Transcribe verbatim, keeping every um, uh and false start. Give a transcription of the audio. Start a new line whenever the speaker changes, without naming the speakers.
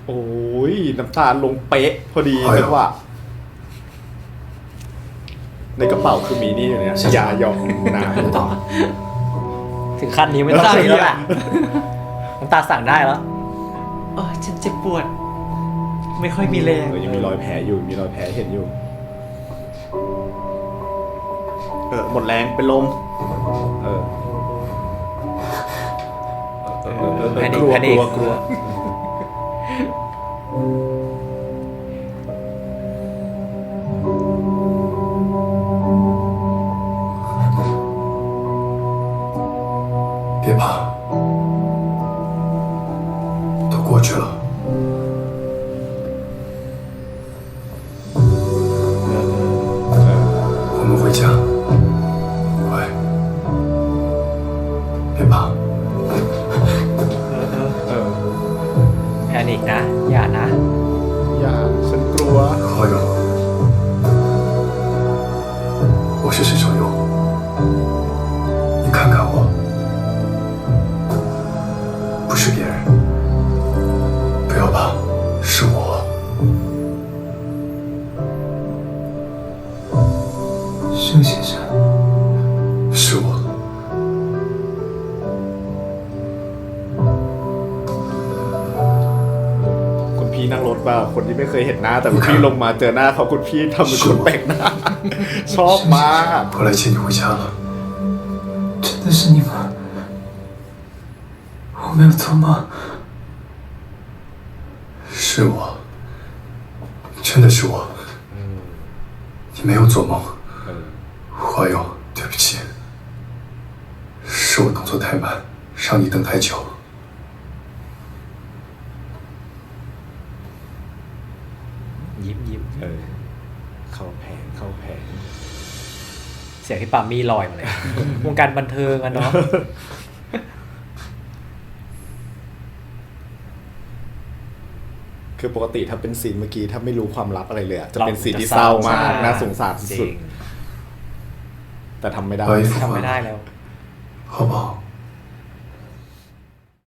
โอ้ยน้ำตาลงเป๊ะพอดีจังหวะในกระเป๋าคือมีนี่อยู่เนี่ยยาหยอกน้ำต่อ
ถึงขั้นนี้ไม่ต้องสั่งแล้วล่ะน้ำตาสั่งได้แล้ว
เออฉันเจ็บปวดไม่ค่อยมีแรง
เออยังมีรอยแผลอยู่มีรอยแผลเห็นอยู่เออหมดแรงเป็นลมเออเออเออเออ
แพนิ
ก
ค
ลัว
แพนิ
ก
ค
ลัวกลัว
别怕，都过去了。我们回家，乖，别怕。
แพนิคนะอย่านะ
อย่าฉันกลัว
好友，我是沈小优，你看看我。 不是别人，不要怕，是我。盛先生，是我。
คุณพี่นั่งรถป่ะคนที่ไม่เคยเห็นหน้าแต่คุณพี่ลงมาเจอหน้าเขาคุณพี่ทำเป็นคนแปลกหน้าชอบมาก
我来接你回家了。
真的是你吗？我没有错吗？
是我，真的是我。你没有做梦，花友，对不起，是我动作太慢，让你等太久。
ยิ้มยิ้ม
เออเข้าแผงเข้าแผง
เสียงที่ปามี่ลอยมาเลย วงการบันเทิงอะเนาะ
คือปกติถ้าเป็นซีนเมื่อกี้ถ้าไม่รู้ความลับอะไรเลยอะจะเป็นซีนที่เศร้ามากน่าสงสารสุดๆแต่ทำไม่ได้
来一幅
ทำ
画
ไม่ได้แล้ว
好不好？